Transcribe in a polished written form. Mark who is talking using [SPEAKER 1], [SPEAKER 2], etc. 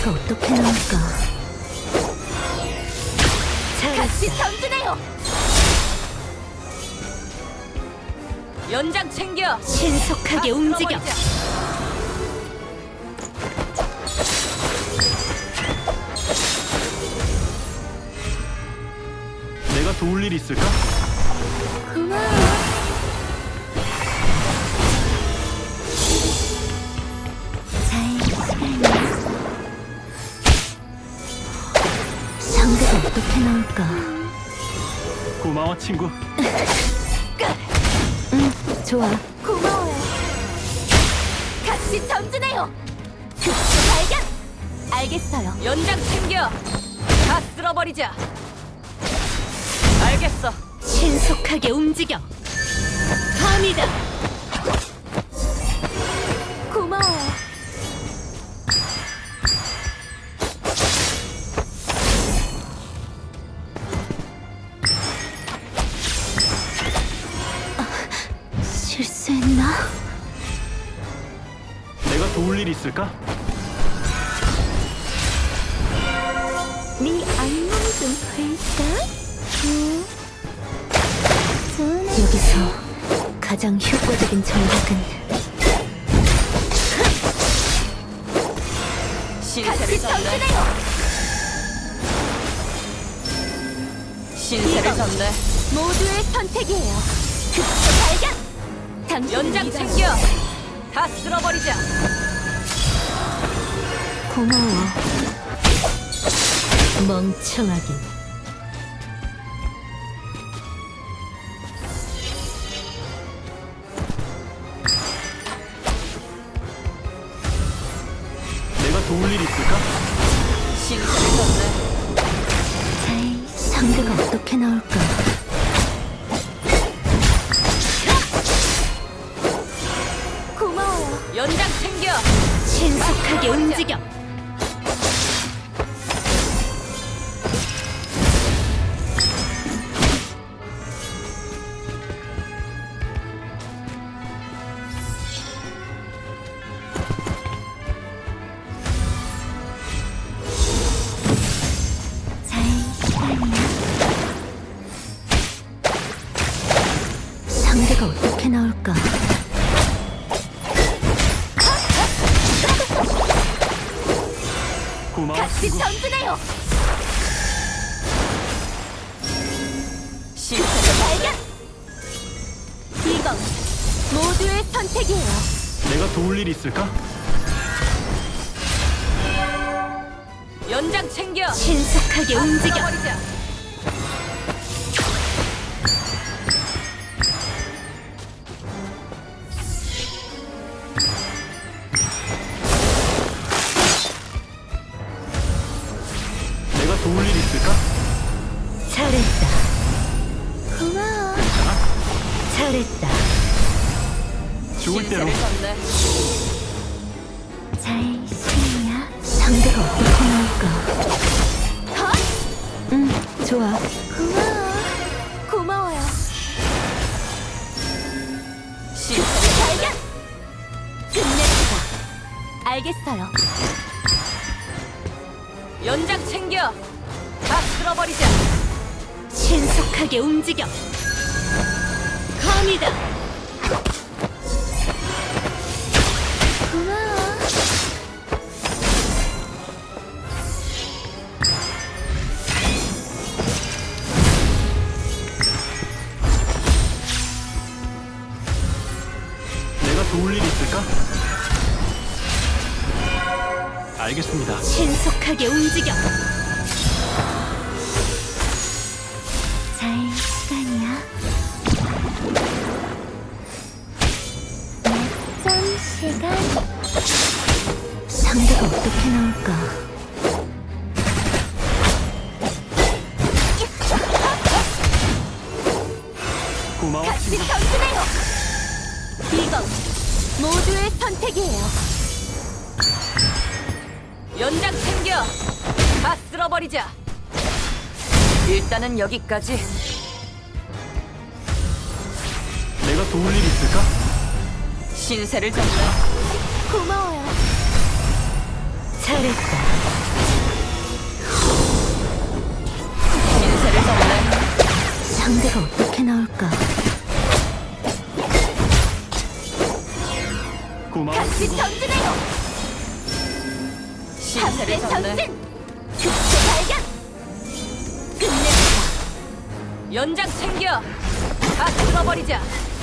[SPEAKER 1] 상대가 어떻게 나올까?
[SPEAKER 2] 같이 전진해요. 연장 챙겨.
[SPEAKER 1] 신속하게
[SPEAKER 2] 다
[SPEAKER 1] 움직여.
[SPEAKER 2] 쓸어버리자.
[SPEAKER 3] 내가 도울 일 있을까?
[SPEAKER 1] 고마워. 자의 시간이야. 상대가 어떻게 나올까?
[SPEAKER 3] 고마워 친구.
[SPEAKER 1] 좋아.
[SPEAKER 2] 고마워요. 같이 전진해요. 급수 발견. 알겠어요. 연장 챙겨. 다 쓸어버리자. 알겠어.
[SPEAKER 1] 신속하게 움직여. 감이다.
[SPEAKER 2] 고마워요.
[SPEAKER 1] 실수했나?
[SPEAKER 3] 내가 도울 일 있을까?
[SPEAKER 1] 네 안녕 좀 볼까? 여기서 가장 효과적인 전략은
[SPEAKER 2] 같이 전진해요. 신세를 졌네. 모두의 선택이에요. 급수 발견. 연장 챙겨. 다 쓸어버리자.
[SPEAKER 1] 고마워. 멍청하긴.
[SPEAKER 3] 내가 도울 일 있을까?
[SPEAKER 2] 신세를 졌네.
[SPEAKER 1] 자이 상대가 어떻게 나올까?
[SPEAKER 2] 고마워요. 연장 챙겨.
[SPEAKER 1] 신속하게 움직여. 자의 시간이야. 상대가 어떻게 나올까?
[SPEAKER 3] 고마워
[SPEAKER 2] 같이
[SPEAKER 3] 친구.
[SPEAKER 2] 전진해요. 실패를 발견. 이건 모두의 선택이에요.
[SPEAKER 3] 내가 도울 일 있을까?
[SPEAKER 2] 연장 챙겨.
[SPEAKER 1] 신속하게 움직여.
[SPEAKER 2] 쓸어버리자.
[SPEAKER 3] 내가 도울 일 있을까?
[SPEAKER 1] 잘했다. 고마워. 잘했다.
[SPEAKER 3] 좋을 대로.
[SPEAKER 2] 신세를 졌네.
[SPEAKER 1] 자의 시간이야. 상대가 어떻게 나올까? 좋아.
[SPEAKER 2] 고마워. 고마워요. 실패를 발견. 끝냅시다. 알겠어요. 연장 챙겨. 다 쓸어버리자.
[SPEAKER 1] 신속하게 움직여. 감이다.
[SPEAKER 2] 고마워.
[SPEAKER 3] 내가 도울 일 있을까? 알겠습니다.
[SPEAKER 1] 신속하게 움직여. 자의 시간이야. 낮잠 시간. 상대가 어떻게 나올까?
[SPEAKER 3] 고마워
[SPEAKER 2] 같이
[SPEAKER 3] 친구.
[SPEAKER 2] 전진해요. 이건 모두의 선택이에요. 연장 챙겨. 다 쓸어버리자. 일단은 여기까지.
[SPEAKER 3] 내가 도울 일 있을까?
[SPEAKER 2] 신세를 졌네. 고마워요.
[SPEAKER 1] 잘했다.
[SPEAKER 2] 신세를 졌네.
[SPEAKER 1] 상대가 어떻게 나올까?
[SPEAKER 3] 고마워.
[SPEAKER 2] 같이 전진해요. 신세를 졌네.
[SPEAKER 1] 특수 발견!
[SPEAKER 2] 끝내주자. 연장 챙겨. 다 쓸어버리자.